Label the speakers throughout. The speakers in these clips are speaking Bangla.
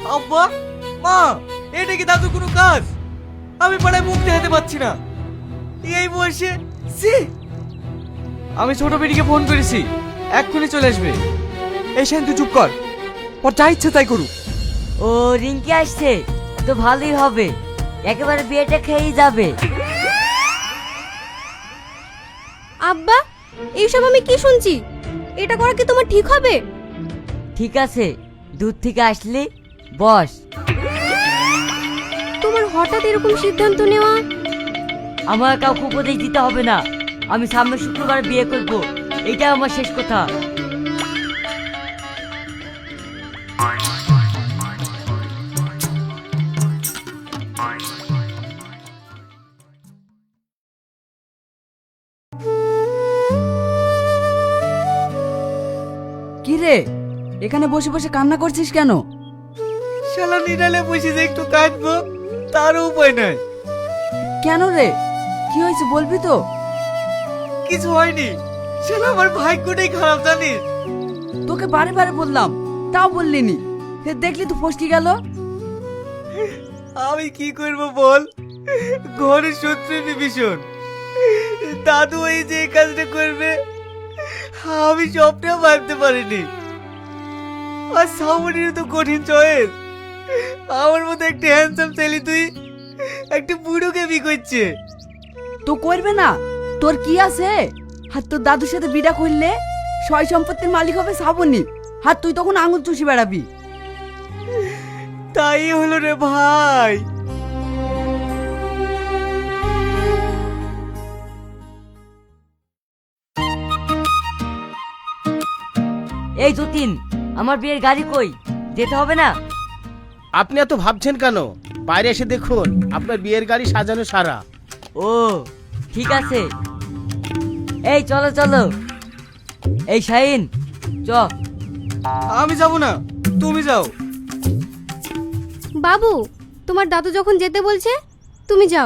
Speaker 1: আব্বা, মা, এটা কি দাদু কোনো কাজ? আমি পাড়ায় মুখ দেখাতে পারছি না এই বয়সে। ছি! আমি ছোট বেটিকে ফোন করেছি, এক্ষুনি চলে আসবে। এই শাইন, তুই চুপ কর, ওর যা ইচ্ছে তাই করুক।
Speaker 2: ও রিঙ্কি আসছে তো ভালোই হবে, একেবারে বিয়েটা খেয়েই যাবে।
Speaker 3: আব্বা, এইসব আমি কি শুনছি? এটা করা কি তোমার ঠিক হবে?
Speaker 2: ঠিক আছে, দূর থেকে আসলি বস।
Speaker 3: তোমার হঠাৎ এরকম সিদ্ধান্ত নেওয়া?
Speaker 2: আমার কাউকে উপদেশ দিতে হবে না, আমি সামনের শুক্রবার বিয়ে করব, এটা আমার শেষ কথা।
Speaker 4: কি রে, এখানে বসে বসে কান্না করছিস কেন?
Speaker 1: শালা নিরালে বসে যে একটু কাঁদবো, তারও উপায় নাই।
Speaker 4: কেন রে, কি হয়েছে বলবি তো?
Speaker 1: কিছু হয়নি, শালা আমার ভাগ্যটাই খারাপ জানিস।
Speaker 4: তোকে বারে বারে বললাম, তাও বললি নি। দেখলি তো ফসকে গেল।
Speaker 1: আমি কি করব বল, ঘরের শত্রু বিভীষণ। দাদু এই যে এই কাজটা করবে আমি স্বপ্নেও ভাবতে পারিনি। আর সামনের তো কঠিন চয়েস। আমার মতো একটা হ্যান্ডসাম ছেলে তুই একটা বুড়োকে বি করছে।
Speaker 4: তো করবে না, তোর কি আছে? আর তোর দাদুর সাথে বিড়া করলে সয় সম্পত্তির মালিক হবে শ্রাবণী, আর তুই তখন আঙুল চুষি বেড়াবি।
Speaker 1: তাই হলো রে ভাই।
Speaker 2: এই যতীন, আমার বিয়ের গাড়ি কই? যেতে হবে না?
Speaker 5: আপনি এত ভাবছেন কেন? বাইরে এসে দেখুন, আপনার বিয়ের গাড়ি সাজানো সারা।
Speaker 2: ও ঠিক আছে, এই চলো চলো। এই শাহিন চ।
Speaker 1: আমি যাব না, তুমি যাও।
Speaker 3: বাবু, তোমার দাদু যখন যেতে বলছে তুমি যাও।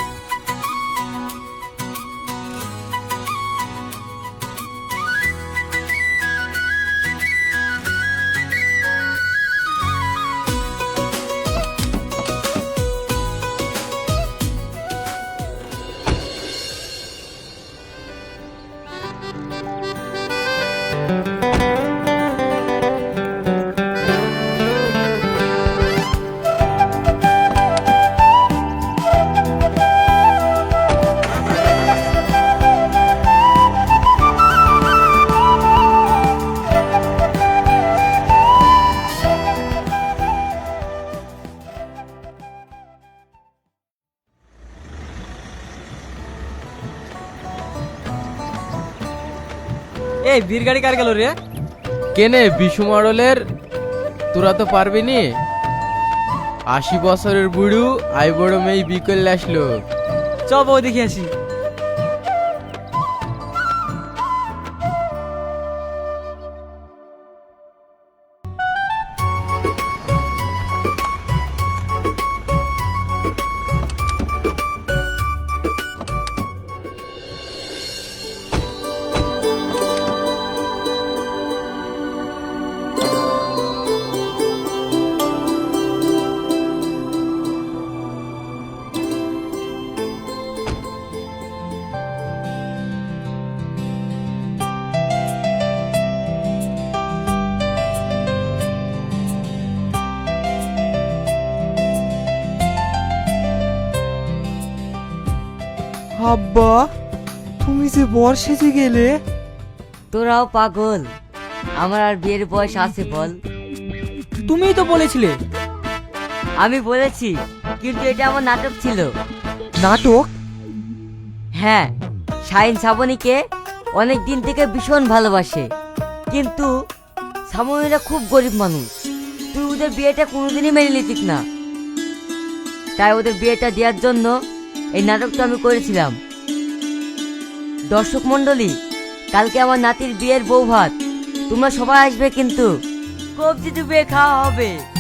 Speaker 1: এই বীর গাড়ি কার গেল রে?
Speaker 6: কেনে বিশু মডেলের? তোরা তো পারবি নি। 80 বছরের বুড়ু আই বড় মেয়ে বিকেল আসলো।
Speaker 1: চ বউ দেখে আসি। আব্বা, তুমি যে বর সেজে গেলে।
Speaker 2: তোরাও পাগল, আমার আর বিয়ের বয়স আছে বল?
Speaker 4: তুমিই তো বলেছিলে।
Speaker 2: আমি বলেছি, কিন্তু এটা আমার নাটক ছিল।
Speaker 4: নাটক?
Speaker 2: হ্যাঁ, শাহিন শ্রাবণীকে অনেক দিন থেকে ভীষণ ভালোবাসে, কিন্তু শ্রাবণীরা খুব গরিব মানুষ। তুই ওদের বিয়েটা কোনোদিনই মেনে নিতিস না, তাই ওদের বিয়েটা দেওয়ার জন্য এই নাটকটা আমি করেছিলাম। দর্শক মণ্ডলী, কালকে আমার নাতির বিয়ের বউ ভাত, তোমরা সবাই আসবে কিন্তু কবজি ডুবিয়ে খাওয়া হবে।